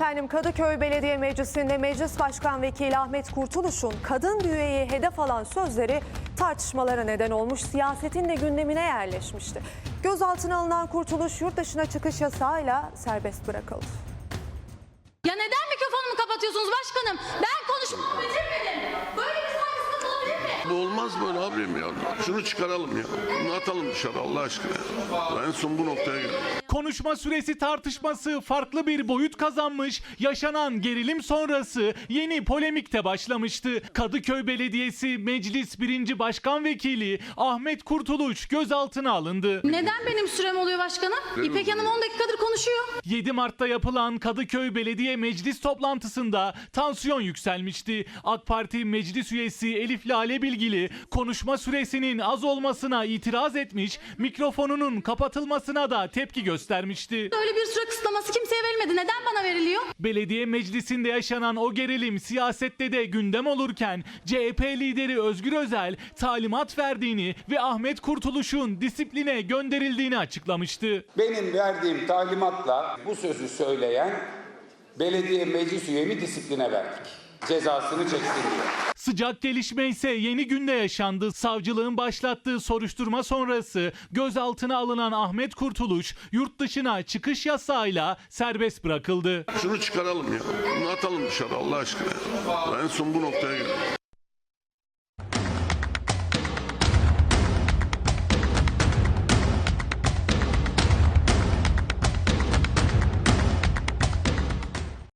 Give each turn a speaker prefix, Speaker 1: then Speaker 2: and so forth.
Speaker 1: Efendim, Kadıköy Belediye Meclisi'nde Meclis Başkan Vekili Ahmet Kurtuluş'un kadın bir üyeyi hedef alan sözleri tartışmalara neden olmuş, siyasetin de gündemine yerleşmişti. Gözaltına alınan Kurtuluş yurt dışına çıkış yasağıyla serbest bırakıldı.
Speaker 2: Ya neden mikrofonumu kapatıyorsunuz başkanım? Ben konuşmamı bitirmedim. Böyle bir saygısızlık olabilir mi?
Speaker 3: Bu olmaz böyle abim ya. Şunu çıkaralım ya. Bunu atalım dışarı Allah aşkına. En son bu noktaya geldik.
Speaker 4: Konuşma süresi tartışması farklı bir boyut kazanmış, yaşanan gerilim sonrası yeni polemikte başlamıştı. Kadıköy Belediyesi Meclis 1. Başkan Vekili Ahmet Kurtuluş gözaltına alındı.
Speaker 2: Neden benim sürem oluyor başkanım? İpek Hanım 10 dakikadır konuşuyor.
Speaker 4: 7 Mart'ta yapılan Kadıköy Belediye Meclis toplantısında tansiyon yükselmişti. AK Parti Meclis üyesi Elif Lale Bilgili konuşma süresinin az olmasına itiraz etmiş, mikrofonunun kapatılmasına da tepki göstermişti.
Speaker 2: Öyle bir süre kısıtlaması kimseye verilmedi. Neden bana veriliyor?
Speaker 4: Belediye meclisinde yaşanan o gerilim siyasette de gündem olurken CHP lideri Özgür Özel talimat verdiğini ve Ahmet Kurtuluş'un disipline gönderildiğini açıklamıştı.
Speaker 5: Benim verdiğim talimatla bu sözü söyleyen belediye meclis üyemi disipline verdik. Cezasını çeksin diye.
Speaker 4: Sıcak gelişme ise yeni günde yaşandı. Savcılığın başlattığı soruşturma sonrası gözaltına alınan Ahmet Kurtuluş yurt dışına çıkış yasağıyla serbest bırakıldı.
Speaker 3: Şunu çıkaralım ya. Bunu atalım dışarı Allah aşkına. En son bu noktaya geldik.